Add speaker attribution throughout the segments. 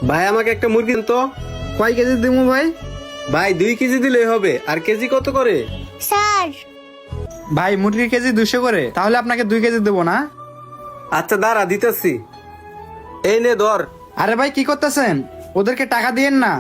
Speaker 1: ভাই আমাকে একটা মুরগি দেন তো।
Speaker 2: কয় কেজি দিমু ভাই?
Speaker 1: ভাই 2 কেজি দিলেই হবে। আর কেজি কত করে?
Speaker 3: স্যার
Speaker 2: ভাই মুরগির কেজি 200 করে, তাহলে আপনাকে 2 কেজি দেবো না?
Speaker 1: আচ্ছা দাঁড়া দিতেছি। এই নে ধর।
Speaker 2: আরে ভাই কি করতেছেন? ওদেরকে টাকা দিয়েন না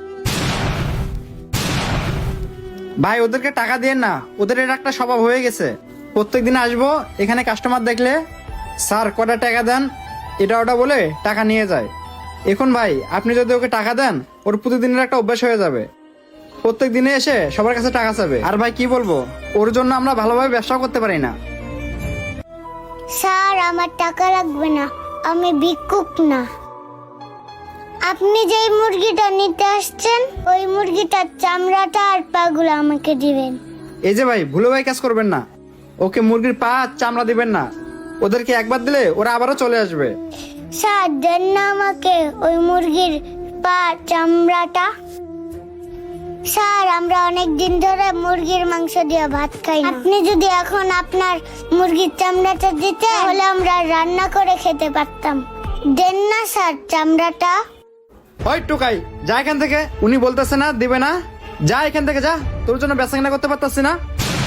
Speaker 2: ভাই, ওদেরকে টাকা দিয়েন না। ওদের এটা একটা স্বভাব হয়ে গেছে, প্রত্যেকদিন আসবো এখানে কাস্টমার দেখলে স্যার কটা টাকা দেন এটা ওটা বলে টাকা নিয়ে যায়। এখন ভাই আপনি যদি ওকে টাকা দেন, ওর প্রতিদিনের একটা অভ্যাস হয়ে যাবে, প্রত্যেক দিনে এসে সবার কাছে টাকা চাবে। আর ভাই কি বলবো, ওর জন্য আমরা ভালোভাবে ব্যবসাও করতে পারি না।
Speaker 3: স্যার আমার টাকা লাগবে না, আমি ভিক্ষুক না। আপনি যেই মুরগিটা নিতে আসছেন ওই মুরগিটার চামড়াটা আর পাগুলো আমাকে দিবেন।
Speaker 2: এই যে ভাই ভুলে ভাই কাজ করবেন না, ওকে মুরগির পা চামড়া দিবেন না। ওদেরকে একবার দিলে ওরা আবারও চলে আসবে।
Speaker 3: স্যার দেন না আমাকে ওই মুরগির পা চামড়াটা। স্যার আমরা অনেক দিন ধরে মুরগির মাংস দিয়ে ভাত খাই না। আপনি যদি এখন আপনার মুরগির চামড়াটা দিতে তাহলে আমরা রান্না করে খেতে পারতাম। দেন না স্যার চামড়াটা।
Speaker 2: ওই টোকাই যা এখান থেকে, উনি বলতেছে না দিবে না, যা এখান থেকে যা, তোর জন্য বেচা কিনা করতে পারতাছি না।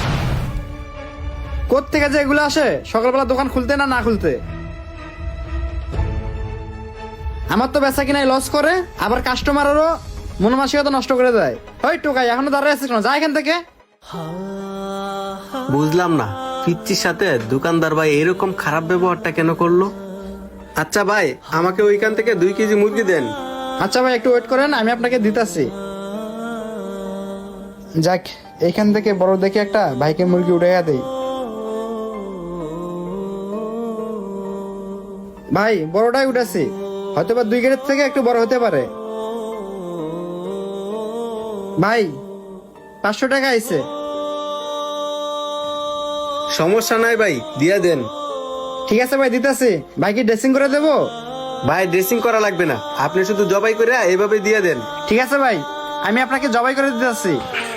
Speaker 2: কোত্থেকে যে এগুলো আসে সকালবেলা দোকান খুলতে না খুলতে। আমার তো বেচা কিনাই লস করে, আবার কাস্টমারেরও মনোমানসিকতা নষ্ট করে দেয়। ওই টোকাই এখনো দাঁড়িয়ে আছিস কেন, যা এখান থেকে।
Speaker 1: বুঝলাম না পিচ্চির সাথে দোকানদার ভাই এরকম খারাপ ব্যবহারটা কেন করলো। আচ্ছা ভাই আমাকে ওইখান থেকে 2 কেজি মুরগি দেন।
Speaker 2: আচ্ছা ভাই একটু ওয়েট করেন, আমি আপনাকে দিতাছি। যাক এইখান থেকে বড় দেখে একটা ভাইকে মুরগি উঠাইয়া দেই। ভাই বড়টাই উঠেছি, হয়তো বা 2 কেজির থেকে একটু বড় হতে পারে। ভাই 500 টাকা আইছে।
Speaker 1: সমস্যা নাই ভাই দিয়া দেন।
Speaker 2: ঠিক আছে ভাই দিতেছি। ভাই কি ড্রেসিং করে দেবো?
Speaker 1: ভাই ড্রেসিং করা লাগবে না, আপনি শুধু জবাই করে এইভাবে দিয়ে দেন।
Speaker 2: ঠিক আছে ভাই, আমি আপনাকে জবাই করে দিতেছি।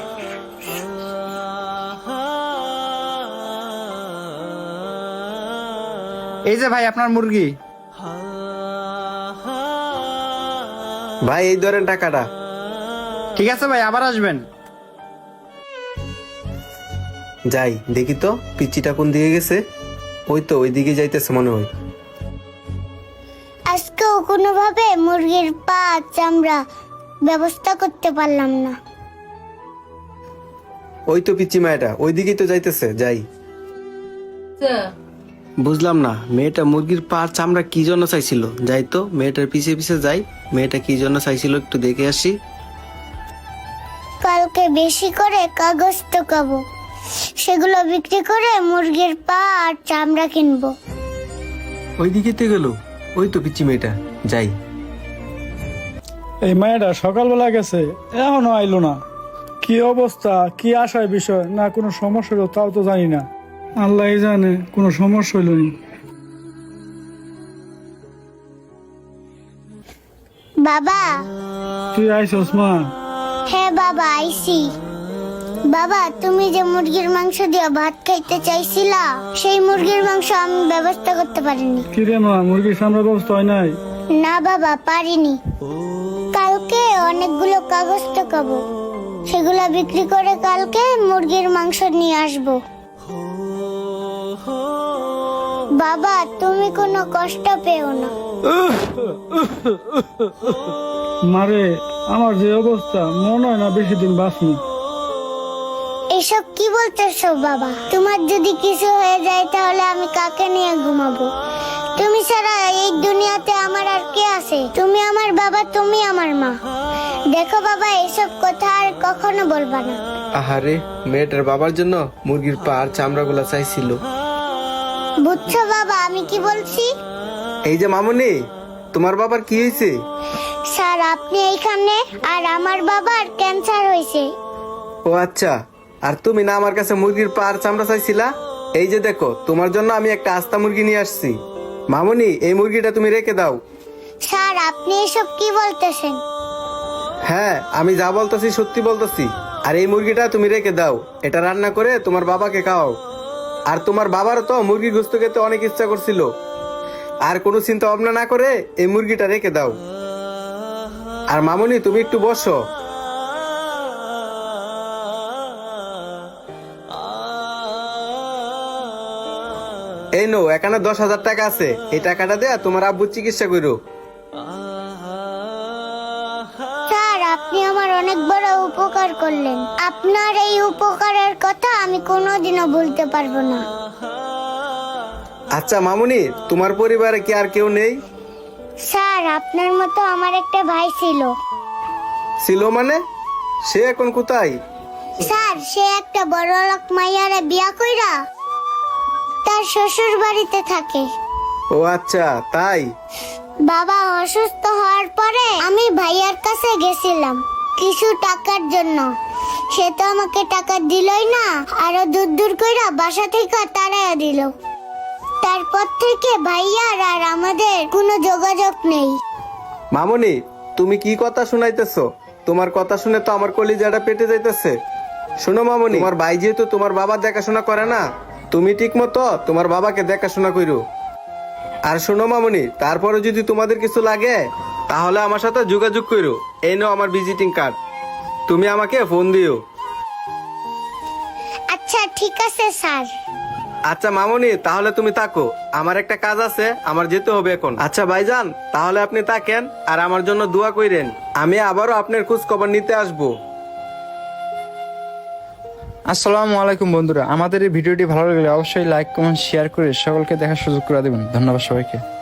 Speaker 2: এই যে ভাই আপনার মুরগি।
Speaker 1: ভাই এই ধরেন টাকাটা।
Speaker 2: ঠিক আছে ভাই, আবার আসবেন।
Speaker 1: যাই দেখি তো পিচ্চিটা কোন দিকে গেছে। ওই তো ওইদিকে যাইতেছে মনে হয়।
Speaker 3: আজকেও কোনোভাবে মুরগির পা চামড়া ব্যবস্থা করতে পারলাম না।
Speaker 1: ওই তো পিচ্চি মায়াটা ওইদিকেই তো যাইতেছে, যাই। বুঝলাম না মেয়েটা মুরগির পা চামড়া কি জন্য চাইছিল। যাই তো মেয়েটার পিছে পিছে যাই, মেয়েটা কি জন্য চাইছিল একটু দেখে আসি।
Speaker 3: কালকে বেশি করে কাগজ টোকাবো, সেগুলো বিক্রি করে মুরগির পা আর চামড়া কিনবো।
Speaker 1: ওইদিকে তো গেল, ওই তো পিচ্চি মেয়েটা, যাই।
Speaker 4: এই মায়েরা সকালবেলা গেছে এখনো আইলো না। কি অবস্থা, কি আশার বিষয়, না কোনো সমস্যা হলো তাও তো জানি না। আল্লাহ জানে কোনো সমস্যা হইল নি।
Speaker 3: বাবা
Speaker 4: তুই আইসস মা?
Speaker 3: হ্যাঁ বাবা আইসি। বাবা তুমি যে মুরগির মাংস দিয়ে ভাত খাইতে চাইছিলা, সেই মুরগির মাংস আমি ব্যবস্থা করতে পারিনি।
Speaker 4: কি রে মা, মুরগির সামনে ব্যবস্থা হয় নাই?
Speaker 3: না বাবা পারিনি। কালকে অনেকগুলো কাগজ টোকাবো, সেগুলো বিক্রি করে কালকে মুরগির মাংস নিয়ে আসবো। বাবা তুমি কোনো কষ্ট পেও না।
Speaker 4: মারে আমার যে অবস্থা, মনে হয় না বেশি দিন বাঁচনি।
Speaker 3: এসব কি বলতেছো বাবা? তোমার যদি কিছু হয়ে যায় তাহলে আমি কাকে নিয়ে ঘুমাবো? তুমি ছাড়া এই দুনিয়াতে আমার আর কে আছে? তুমি আমার বাবা, তুমি আমার মা। দেখো বাবা এসব কথা আর কখনো বলবা না।
Speaker 1: আহারে মেয়েটার বাবার জন্য মুরগির পা আর চামড়া গুলা চাইছিল।
Speaker 3: বুঝছো বাবা আমি কি বলছি?
Speaker 1: এই যে মামুনি, তোমার বাবার কি হয়েছে?
Speaker 3: স্যার আপনি এইখানে, আর আমার বাবার ক্যান্সার হয়েছে।
Speaker 1: ও আচ্ছা, আর তুমি না আমার কাছে মুরগির পা আর চামড়া চাইছিলা? এই যে দেখো তোমার জন্য আমি একটা আস্তা মুরগি নিয়ে আসছি। মামুনি এই মুরগিটা তুমি রেখে দাও।
Speaker 3: স্যার আপনি এসব কি বলতেছেন?
Speaker 1: হ্যাঁ আমি যা বলতেছি সত্যি বলতেছি। আর এই মুরগিটা তুমি রেখে দাও, এটা রান্না করে তোমার বাবাকে খাওয়াও। আর তোমার বাবারও তো মুরগি গোস্ত খেতে অনেক ইচ্ছা করছিল। আর কোনো চিন্তা ভাবনা না করে এই মুরগিটা রেখে দাও। আর মামুনি তুমি একটু বসো। এই নো, এখানে 10,000 টাকা আছে, এই টাকাটা দিয়ে তোমার আব্বুর চিকিৎসা করো।
Speaker 3: স্যার, আপনি আমার অনেক বড় উপকার করলেন। আপনার এই উপকারের কথা আমি কোনোদিনও ভুলতে পারবো না।
Speaker 1: আচ্ছা মামুনি, তোমার পরিবারে কি আর কেউ নেই?
Speaker 3: স্যার, আপনার মতো আমার একটা ভাই ছিল।
Speaker 1: ছিল মানে? সে এখন কোথায়?
Speaker 3: স্যার, সে একটা বড়লোক মাইয়ারে বিয়া কইরা তার শ্বশুর বাড়িতে থাকে।
Speaker 1: ও আচ্ছা, তাই?
Speaker 3: বাবা অসুস্থ হওয়ার পরে আমি ভাইয়ার কাছে গেছিলাম কিছু টাকার জন্য। সে তো আমাকে টাকা দিলই না, আরো দূর দূর কইরা বাসা থেকে তাড়াইয়া দিল। তারপর থেকে ভাইয়ার আর আমাদের কোনো যোগাযোগ নেই।
Speaker 1: মামুনি, তুমি কি কথা শুনাইতেছো? তোমার কথা শুনে তো আমার কলিজাটা পেটে যাইতেছে। শোনো মামুনি, তোমার ভাই যেহেতু তোমার বাবা দেখাশোনা করে না, তুমি ঠিক মতো তোমার বাবাকে দেখাশোনা করো। আর শোনো মামুনি, তারপরে যদি তোমাদের কিছু লাগে তাহলে আমার সাথে যোগাযোগ করো। এই নাও আমার ভিজিটিং কার্ড, তুমি আমাকে ফোন দিও।
Speaker 3: আচ্ছা ঠিক আছে স্যার।
Speaker 1: আচ্ছা মামুনি, তাহলে তুমি থাকো, আমার একটা কাজ আছে, আমার যেতে হবে এখন। আচ্ছা ভাইজান, তাহলে আপনি থাকেন আর আমার জন্য দোয়া কইরেন। আমি আবারও আপনার খোঁজ খবর নিতে আসবো।
Speaker 2: আসসালামু আলাইকুম বন্ধুরা, আমাদের এই ভিডিওটি ভালো লাগলে অবশ্যই লাইক কমেন্ট শেয়ার করে সকলকে দেখার সুযোগ করে দেবেন। ধন্যবাদ সবাইকে।